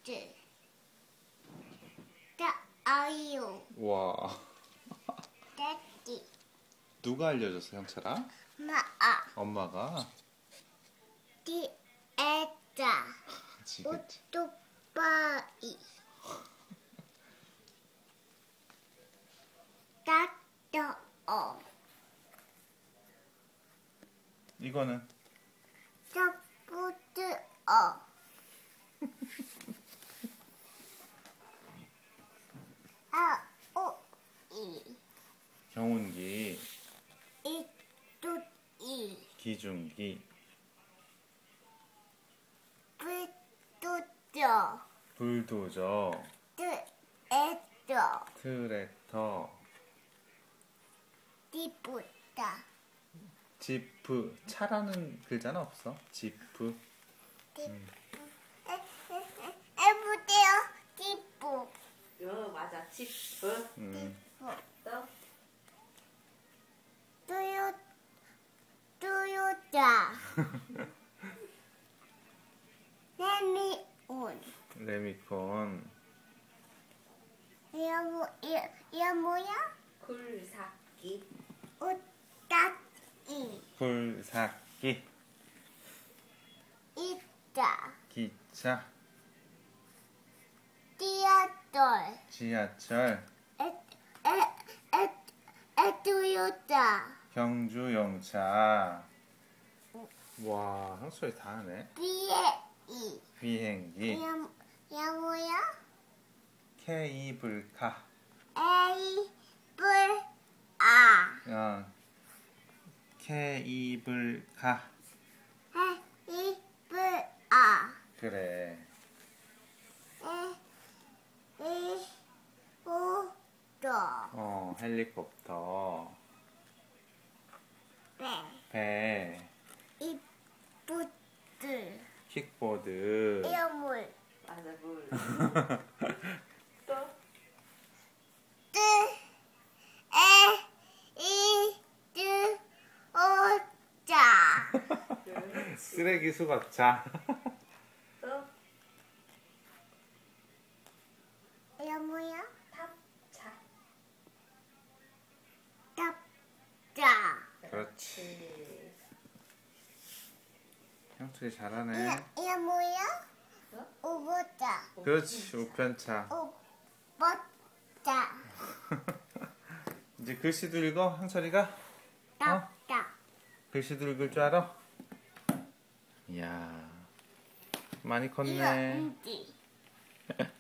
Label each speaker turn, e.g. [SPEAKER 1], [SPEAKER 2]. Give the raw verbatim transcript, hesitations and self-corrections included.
[SPEAKER 1] 뚜. 다 아이유.
[SPEAKER 2] 와.
[SPEAKER 1] daddy.
[SPEAKER 2] 누가 알려줬어, 형철아?
[SPEAKER 1] 마아.
[SPEAKER 2] 엄마가?
[SPEAKER 1] 디 에자.
[SPEAKER 2] 그치, 그치.
[SPEAKER 1] 오토바이. 따떠어.
[SPEAKER 2] 이거는?
[SPEAKER 1] 서포트어. 아오이.
[SPEAKER 2] 경운기,
[SPEAKER 1] 이뚜이.
[SPEAKER 2] 기중기,
[SPEAKER 1] 불도저.
[SPEAKER 2] 불도저,
[SPEAKER 1] 뜨에떠.
[SPEAKER 2] 트랙터,
[SPEAKER 1] 디부다.
[SPEAKER 2] 지프. 차라는 글자는 없어. 지프. 음.
[SPEAKER 1] 해보세요. 디부.
[SPEAKER 3] 어, 맞아. 지프.
[SPEAKER 2] 음.
[SPEAKER 3] 또
[SPEAKER 1] 또요, 또요자. 레미온.
[SPEAKER 2] 레미콘,
[SPEAKER 1] 이거 뭐, 이거, 이거 뭐야?
[SPEAKER 3] 굴삭기.
[SPEAKER 1] 오따이.
[SPEAKER 2] 굴삭기,
[SPEAKER 1] 있다.
[SPEAKER 2] 기차,
[SPEAKER 1] 띠아돌.
[SPEAKER 2] 지하철,
[SPEAKER 1] 에, 에, 에, 에토요타.
[SPEAKER 2] 경주용차. 와, 형철이 다 하네.
[SPEAKER 1] 비에이.
[SPEAKER 2] 비행기,
[SPEAKER 1] 이거, 이거 뭐야?
[SPEAKER 2] 케이블카,
[SPEAKER 1] 에이, 불, 아.
[SPEAKER 2] 어, 케이블카.
[SPEAKER 1] 에이, 불, 아.
[SPEAKER 2] 그래.
[SPEAKER 1] 에, 이, 오, 도.
[SPEAKER 2] 어, 헬리콥터,
[SPEAKER 1] 배.
[SPEAKER 2] 배,
[SPEAKER 1] 이, 부트.
[SPEAKER 2] 킥보드,
[SPEAKER 1] 이거 물.
[SPEAKER 3] 맞아, 물. 또
[SPEAKER 1] 뜨, 에, 이, 뜨, 오, 자.
[SPEAKER 3] 그렇지.
[SPEAKER 2] 쓰레기 수거차.
[SPEAKER 3] 또
[SPEAKER 1] 이거 뭐야?
[SPEAKER 3] 탑차.
[SPEAKER 1] 탑자.
[SPEAKER 2] 그렇지. 형철이 잘하네.
[SPEAKER 1] 이거, 이거 뭐야?
[SPEAKER 3] 어?
[SPEAKER 1] 오보자.
[SPEAKER 2] 그렇지, 우편차.
[SPEAKER 1] 오보자.
[SPEAKER 2] 이제 글씨도 읽어, 형철이가?
[SPEAKER 1] 탑자.
[SPEAKER 2] 글씨도 읽을 줄 알아? 이야, 많이
[SPEAKER 1] 이거
[SPEAKER 2] 컸네.
[SPEAKER 1] 인지.